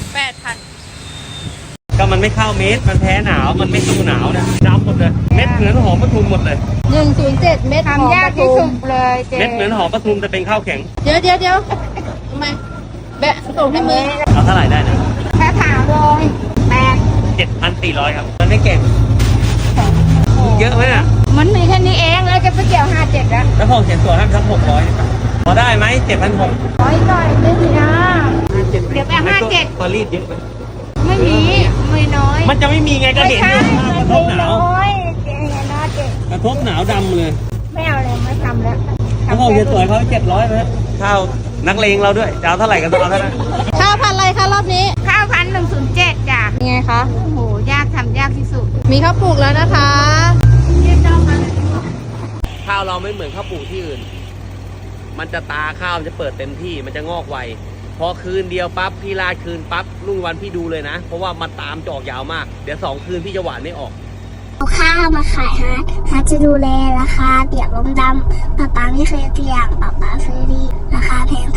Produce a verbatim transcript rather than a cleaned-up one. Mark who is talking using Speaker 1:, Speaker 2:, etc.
Speaker 1: แปดพัน
Speaker 2: ก็มันไม่เข้าเม็ดมันแพ้หนาวมันไม่สู้หนาวเนี่ยดำหมดเลยเม็ดเหมือนหอมปทุมหมดเลย
Speaker 1: หนึ่งศูนย์เจ็ดเม็ด
Speaker 3: ทำยากที่สุดเลยเจ๊
Speaker 2: เม็ดเหมือนหอมปทุมแต่เป็นข้าวแข็ง
Speaker 1: เดี๋ยวเดี๋ยวเดี๋ยวทำไมแบะส่งให้มือ
Speaker 2: เอาเท่าไหร่ได้นะ
Speaker 3: แค่ถามเลยแปด
Speaker 2: เจ็ดพันสี่ร้อยครับมันไม่เก่งเยอะไหมอ่ะ
Speaker 3: มันมีแค่นี้เองแล้วจะไปเกี่ยวห้าเจ็ดแล้ว
Speaker 2: แล้วพอเขียนตัวให้สักหกร้อยพอได้ไหมเจ็ดพันหก
Speaker 3: ร้อยหน่อยไม่มีนะเดี๋ยวไปห้าเจ็ด
Speaker 2: ตัวรีดเยอะไหม
Speaker 3: ไม่มีไม่น้อย
Speaker 2: มันจะไม่มีไงก็
Speaker 3: ไม่
Speaker 2: เห็น
Speaker 3: ใช่
Speaker 2: อยู่กระทบหนาว
Speaker 3: น้อยเจ๊นะเจ๊
Speaker 2: กระทบหนาวดำเลย
Speaker 3: ไม่เอาเลยไม่ทำแล้ว
Speaker 2: แล้วพอเขียนตัวเขาเจ็ดร้อยไหมข้าวนักเลงเราด้วยจะเอาเท่าไหร่กันตัวเท่านั้น
Speaker 1: ข้าวพันอะไรคะรอบนี้
Speaker 3: ข้าวพันหนึ่งศูนย์เจ็ดจ้ะ
Speaker 1: ยังไงคะ
Speaker 3: โอ้โหยากทำยากที่สุด
Speaker 1: มีข้าวปลูกแล้วนะคะ
Speaker 3: ยืดเจ้ามา
Speaker 2: ข้าวเราไม่เหมือนข้าวปลูกที่อื่น มันจะตาข้าวมันจะเปิดเต็มที่มันจะงอกไวพอคืนเดียวปั๊บพี่ลาดคืนปั๊บรุ่งวันพี่ดูเลยนะ เพราะว่ามันตามจอกยาวมากเดี๋ยวสองคืนพี่จะหวานไม่ออก
Speaker 4: เอาข้าวมาขายฮาร์ดฮาร์ดจะดูแลราคาเปียกลมดำป้าป้าไม่เคยเปียกป้าป้าซื้อดีราคาแพง